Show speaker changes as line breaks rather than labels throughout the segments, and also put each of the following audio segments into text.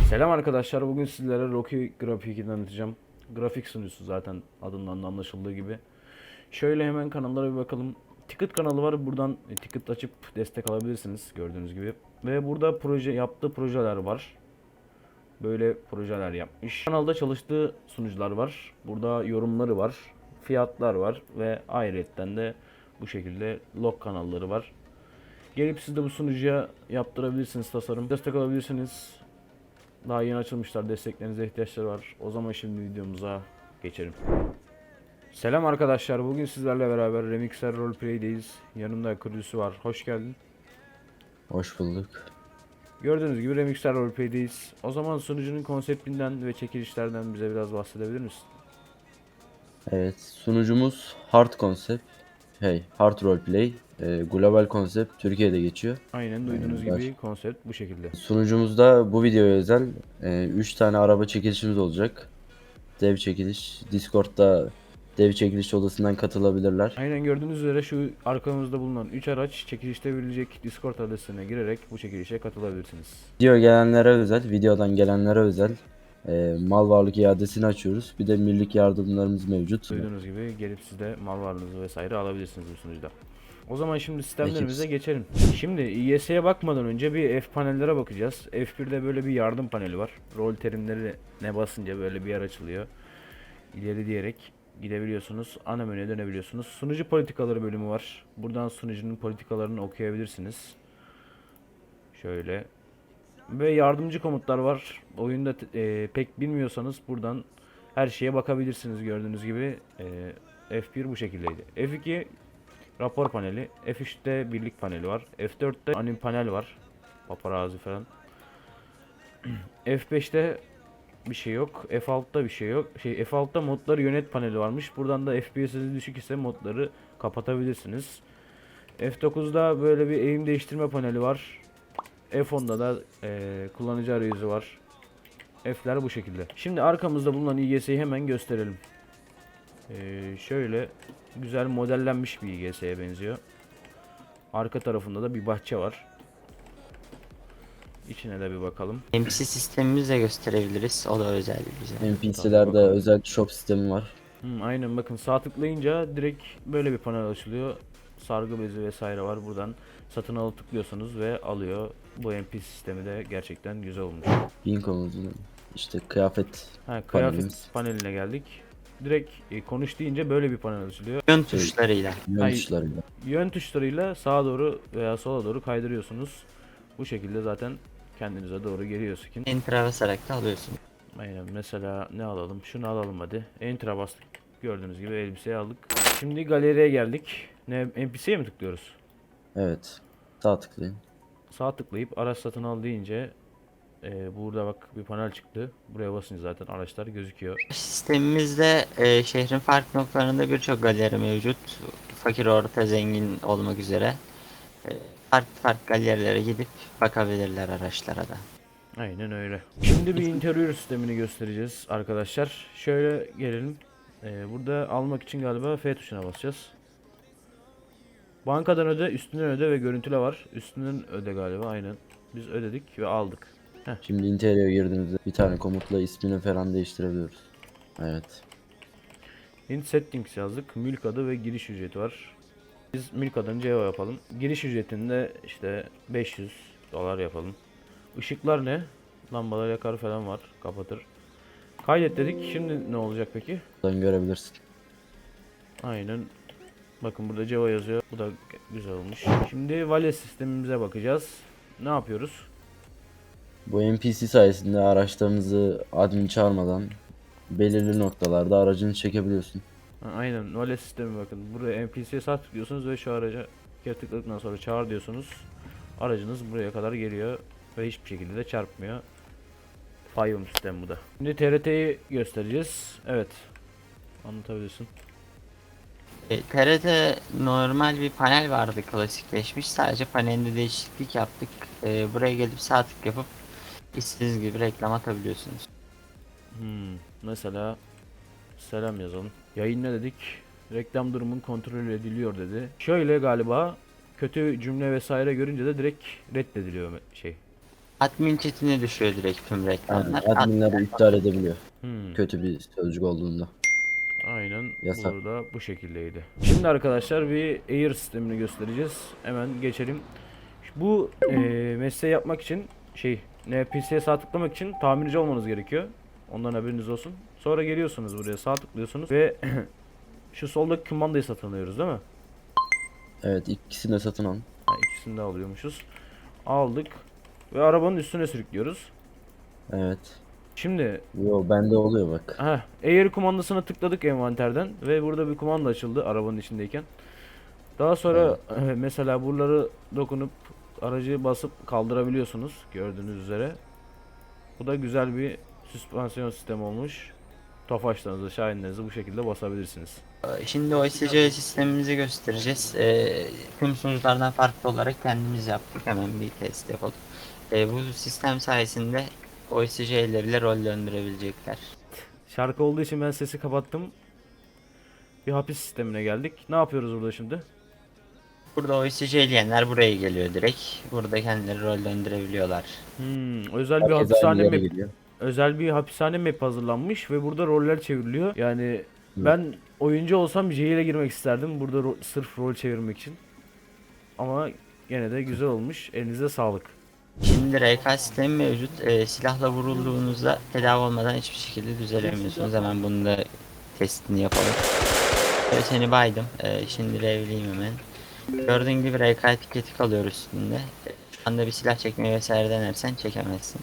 Selam arkadaşlar. Bugün sizlere Rocky Grafik'i tanıtacağım. Grafik sunucusu zaten adından da anlaşıldığı gibi. Şöyle hemen kanallara bir bakalım. Ticket kanalı var. Buradan ticket açıp destek alabilirsiniz gördüğünüz gibi. Ve burada yaptığı projeler var. Böyle projeler yapmış. Kanalda çalıştığı sunucular var. Burada yorumları var. Fiyatlar var ve ayrıyetten de bu şekilde log kanalları var. Gelip siz de bu sunucuya yaptırabilirsiniz tasarım. Destek alabilirsiniz. Daha yeni açılmışlar. Desteklerinize ihtiyaçları var. O zaman şimdi videomuza geçelim. Selam arkadaşlar. Bugün sizlerle beraber Remixer Roleplay'deyiz. Yanımda kurucusu var. Hoş geldin.
Hoş bulduk.
Gördüğünüz gibi Remixer Roleplay'deyiz. O zaman sunucunun konseptinden ve çekilişlerden bize biraz bahsedebilir misin?
Evet, sunucumuz Hard Concept, Hard Roleplay, global konsept Türkiye'de geçiyor.
Aynen duyduğunuz gibi konsept bu şekilde.
Sunucumuzda bu videoya özel 3 tane araba çekilişimiz olacak. Dev çekiliş, Discord'da dev çekiliş odasından katılabilirler.
Aynen gördüğünüz üzere şu arkamızda bulunan 3 araç çekilişte verilecek Discord adresine girerek bu çekilişe katılabilirsiniz.
Videodan gelenlere özel mal varlık iadesini açıyoruz. Bir de millik yardımlarımız mevcut.
Duyduğunuz gibi gelip siz de mal varlığınızı vesaire alabilirsiniz bu sunucuda. O zaman şimdi
Ekip
sistemlerimize geçelim. Şimdi İYS'ye bakmadan önce bir F panellere bakacağız. F1'de böyle bir yardım paneli var. Rol terimleri ne basınca böyle bir yer açılıyor. İleri diyerek gidebiliyorsunuz. Ana menüye dönebiliyorsunuz. Sunucu politikaları bölümü var. Buradan sunucunun politikalarını okuyabilirsiniz. Şöyle. Ve yardımcı komutlar var. Oyunda pek bilmiyorsanız buradan her şeye bakabilirsiniz gördüğünüz gibi. F1 bu şekildeydi. F2 rapor paneli. F3'te birlik paneli var. F4'te anim panel var. Paparazzi falan. F5'te bir şey yok. F6'da bir şey yok. F6'da modları yönet paneli varmış. Buradan da FPS'iniz düşük ise modları kapatabilirsiniz. F9'da böyle bir eğim değiştirme paneli var. F10'da da kullanıcı arayüzü var. F'ler bu şekilde. Şimdi arkamızda bulunan İGS'yi hemen gösterelim. Şöyle güzel modellenmiş bir İGS'ye benziyor. Arka tarafında da bir bahçe var. İçine de bir bakalım.
MC sistemimizi de gösterebiliriz. O da özel bize.
NPC'lerde
bakalım.
özel shop sistemi var.
Aynen bakın sağ tıklayınca direkt böyle bir panel açılıyor. Sargı bezi vesaire var. Buradan satın alıp tıklıyorsunuz ve alıyor. Bu MP sistemi de gerçekten güzel olmuş.
Binko'muzun işte kıyafet
Kıyafet
panelimiz.
paneline geldik. Direkt konuş deyince böyle bir panel açılıyor.
Yön tuşlarıyla.
Yön tuşlarıyla.
Yön tuşlarıyla sağa doğru veya sola doğru kaydırıyorsunuz. Bu şekilde zaten kendinize doğru geliyor skin.
Enter'a basarak da alıyorsun.
Aynen mesela ne alalım? Şunu alalım hadi. Enter'a bastık. Gördüğünüz gibi elbiseyi aldık. Şimdi galeriye geldik. Ne NPC'ye mi tıklıyoruz?
Evet. Sağ tıklayın.
Sağ tıklayıp araç satın al deyince burada bak bir panel çıktı. Buraya basınca zaten araçlar gözüküyor.
Sistemimizde şehrin farklı noktalarında birçok galeri mevcut. Fakir, orta, zengin olmak üzere. E, Farklı farklı galerilere gidip bakabilirler araçlara da.
Aynen öyle. Şimdi bir interior sistemini göstereceğiz arkadaşlar. Şöyle gelelim. Burada almak için galiba F tuşuna basacağız. Bankadan öde, üstünden öde ve görüntüle var. Üstünden öde galiba aynen. Biz ödedik ve aldık.
Şimdi interior'a girdiğimizde bir tane komutla ismini falan değiştirebiliyoruz. Evet.
In settings yazdık. Mülk adı ve giriş ücreti var. Biz mülk adını CEO yapalım. Giriş ücretinde işte 500 dolar yapalım. Işıklar ne? Lambalar yakar falan var. Kapatır. Kaydet dedik. Şimdi ne olacak peki?
Buradan görebilirsin.
Aynen. Bakın burada Java yazıyor. Bu da güzel olmuş. Şimdi vale sistemimize bakacağız. Ne yapıyoruz?
Bu NPC sayesinde araçlarınızı admin çağırmadan belirli noktalarda aracını çekebiliyorsun.
Aynen vale sistemi bakın. Buraya NPC'ye sağ tıklıyorsunuz ve şu araca bir kere tıkladıktan sonra çağır diyorsunuz. Aracınız buraya kadar geliyor ve hiçbir şekilde de çarpmıyor. Fayum sistemi bu da. Şimdi TRT'yi göstereceğiz. Evet. Anlatabilirsin.
TR'de normal bir panel vardı, klasikleşmiş. Sadece panelde değişiklik yaptık. Buraya gelip sağ tık yapıp istediğiniz gibi reklam atabiliyorsunuz.
Mesela selam yazalım. Yayınla dedik. Reklam durumun kontrol ediliyor dedi. Şöyle galiba kötü cümle vesaire görünce de direkt reddediliyor
Admin chatine düşüyor direkt tüm
Yani
reklamlar.
adminler iptal edebiliyor.
Hmm.
Kötü bir sözcük olduğunda.
Aynen
Yasak.
burada bu şekildeydi. Şimdi arkadaşlar bir Air sistemini göstereceğiz. Hemen geçelim. Bu mesleği yapmak için NPC'ye sağ tıklamak için tamirci olmanız gerekiyor. Ondan haberiniz olsun. Sonra geliyorsunuz buraya sağ tıklıyorsunuz ve şu soldaki kumandayı satın alıyoruz değil mi?
Evet, ikisini de satın alın.
Ha, ikisini de alıyormuşuz. Aldık ve arabanın üstüne sürüklüyoruz.
Evet.
Şimdi
Yo, bende oluyor bak.
Air kumandasına tıkladık envanterden ve burada bir kumanda açıldı arabanın içindeyken. Daha sonra mesela buraları dokunup aracı basıp kaldırabiliyorsunuz gördüğünüz üzere. Bu da güzel bir süspansiyon sistemi olmuş. Tofaşlarınızı, şahinlerinizi bu şekilde basabilirsiniz.
Şimdi OSC sistemimizi göstereceğiz. Tüm sunuculardan farklı olarak kendimiz yaptık. Hemen bir test yapalım. Bu sistem sayesinde OSC'leriyle rol döndürebilecekler.
Şarkı olduğu için ben sesi kapattım. Bir hapis sistemine geldik. Ne yapıyoruz burada şimdi?
Burada OSC'leyenler buraya geliyor direkt. Burada kendileri rol döndürebiliyorlar.
Özel bir
Herkes aynı
hapishane
yere
map,
gidiyor.
özel bir hapishane map hazırlanmış ve burada roller çevriliyor. Yani ben oyuncu olsam J ile girmek isterdim burada sırf rol çevirmek için. Ama gene de güzel olmuş. Elinize sağlık.
Şimdi RK sistemi mevcut. Silahla vurulduğunuzda tedavi olmadan hiçbir şekilde düzelemiyorsunuz. Hemen bunu da testini yapalım. Seni baydım. Şimdi revliyim hemen. Gördüğün gibi RK etiketi kalıyor üstünde. Şu anda bir silah çekmeyi vesaire denersen çekemezsin.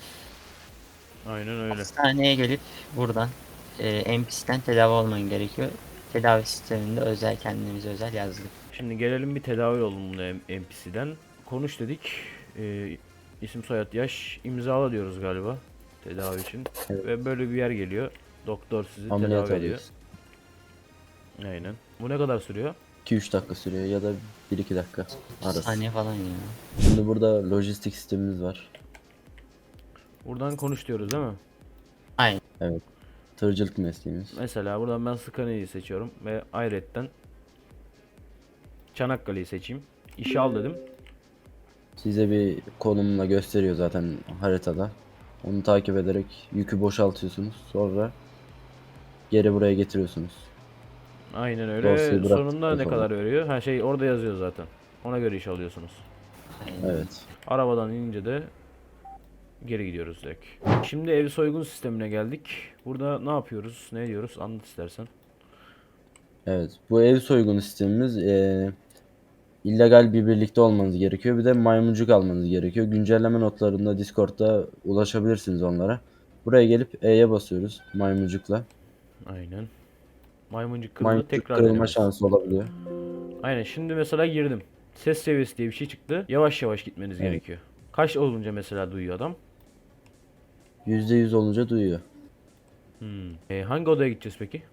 Aynen öyle.
Hastaneye gelip buradan NPC'den tedavi olman gerekiyor. Tedavi sisteminde özel kendimize özel yazdık.
Şimdi gelelim bir tedavi olalım bunu NPC'den. Konuş dedik. İsim soyad yaş imzala diyoruz galiba tedavi için.
Evet.
Ve böyle bir yer geliyor. Doktor sizi
Ameliyat
tedavi ediyor.
alıyoruz.
Aynen. Bu ne kadar sürüyor?
2-3 dakika sürüyor ya da 1-2 dakika arası.
Saniye falan ya.
Şimdi burada lojistik sistemimiz var.
Buradan konuş diyoruz değil mi?
Aynen.
Evet. Tırcılık mesleğimiz.
Mesela buradan ben Scania'yı seçiyorum ve Ayret'ten Çanakkale'yi seçeyim. İşe al dedim.
Size bir konumla gösteriyor zaten haritada. Onu takip ederek yükü boşaltıyorsunuz. Sonra geri buraya getiriyorsunuz.
Aynen öyle.
Dosyayı bıraktıktan
Sonunda ne
sonra.
kadar veriyor? Her şey orada yazıyor zaten. Ona göre iş alıyorsunuz.
Evet.
Arabadan inince de geri gidiyoruz direkt. Şimdi ev soygun sistemine geldik. Burada ne yapıyoruz? Ne diyoruz? Anlat istersen.
Evet. Bu ev soygunu sistemimiz illegal bir birlikte olmanız gerekiyor. Bir de maymuncuk almanız gerekiyor. Güncelleme notlarında Discord'da ulaşabilirsiniz onlara. Buraya gelip E'ye basıyoruz maymuncukla.
Aynen. Maymuncuk kırıldı.
Maymuncuk
Tekrar
kırılma
denemez.
şansı olabiliyor.
Aynen. Şimdi mesela girdim. Ses seviyesi diye bir şey çıktı. Yavaş yavaş gitmeniz
Evet.
gerekiyor. Kaç olunca mesela duyuyor adam?
%100 olunca duyuyor.
Hangi odaya gideceğiz peki?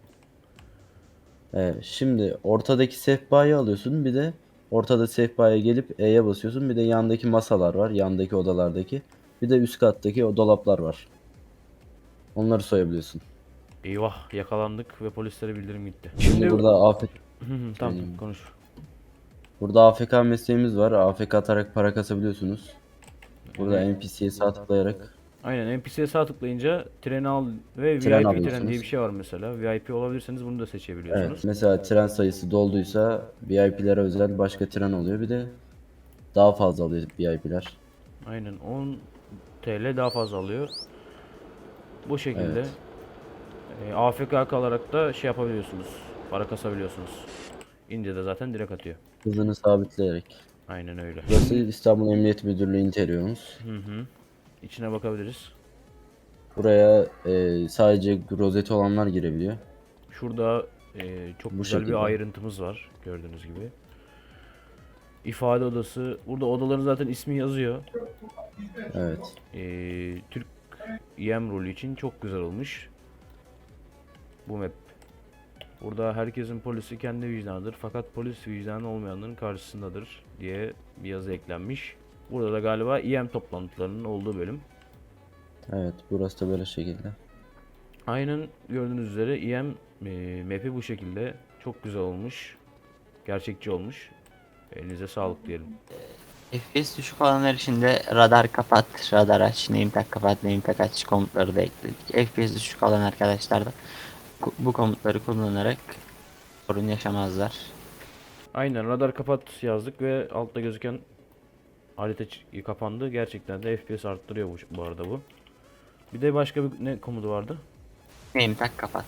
Şimdi ortadaki sehpayı alıyorsun. Bir de ortada sehpaya gelip E'ye basıyorsun. Bir de yandaki masalar var. Yandaki odalardaki. Bir de üst kattaki o dolaplar var. Onları soyabiliyorsun.
Eyvah yakalandık ve polislere bildirim gitti.
Şimdi burada AFK,
Tamam konuş.
burada AFK mesleğimiz var. AFK atarak para kasabiliyorsunuz. Burada NPC'ye sağ tıklayarak
Aynen NPC'ye sağ tıklayınca treni al ve
Tren
VIP tren
alıyorsunuz.
diye bir şey var mesela. VIP olabilirseniz bunu da seçebiliyorsunuz.
evet, mesela tren sayısı dolduysa VIP'lere özel başka tren oluyor. Bir de daha fazla alıyor VIP'ler.
Aynen 10 TL daha fazla alıyor. Bu şekilde
Evet.
AFK kalarak da şey yapabiliyorsunuz. Para kasabiliyorsunuz. İnce de zaten direkt atıyor.
Hızını sabitleyerek.
Aynen öyle.
Burası İstanbul Emniyet Müdürlüğü interiyoruz.
İçine bakabiliriz.
Buraya sadece rozeti olanlar girebiliyor.
Şurada çok
Bu
güzel
şekilde.
bir ayrıntımız var gördüğünüz gibi. İfade odası. Burada odaların zaten ismi yazıyor.
Evet.
Türk EM rolü için çok güzel olmuş. Bu map. Burada herkesin polisi kendi vicdanıdır fakat polis vicdanı olmayanların karşısındadır diye bir yazı eklenmiş. Burada da galiba EM toplantılarının olduğu bölüm.
Evet, burası da böyle şekilde.
Aynen gördüğünüz üzere EM map'i bu şekilde çok güzel olmuş. Gerçekçi olmuş. Elinize sağlık diyelim.
FPS düşük olanlar için de radar kapat, radar aç, name tag kapat, name tag aç komutları da ekledik. FPS düşük olan arkadaşlar da bu komutları kullanarak sorun yaşamazlar.
Aynen, radar kapat yazdık ve altta gözüken harita kapandı. Gerçekten de FPS arttırıyor bu arada bu. Bir de başka bir ne komutu vardı?
Name tag kapat.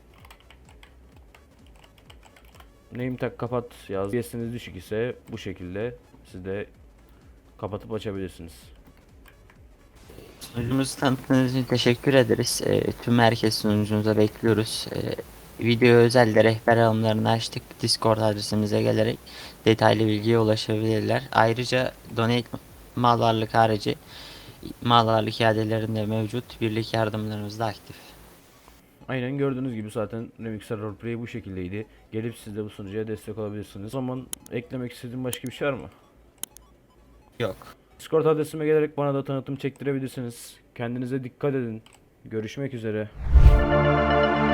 Name tag kapat yazdık. FPS'iniz düşük ise bu şekilde siz de kapatıp açabilirsiniz.
Sunucumuzu tanıttığınız için teşekkür ederiz. Tüm herkes sunucumuza bekliyoruz. Video özel de rehber alımlarını açtık. Discord adresimize gelerek detaylı bilgiye ulaşabilirler. Ayrıca donate mal varlık harici mal varlık iadelerinde mevcut. Birlik yardımlarımız da aktif.
Aynen, gördüğünüz gibi zaten Remixer Roleplay bu şekildeydi. Gelip siz de bu sunucuya destek olabilirsiniz. O zaman eklemek istediğim başka bir şey var mı?
Yok.
Discord adresime gelerek bana da tanıtım çektirebilirsiniz. Kendinize dikkat edin. Görüşmek üzere.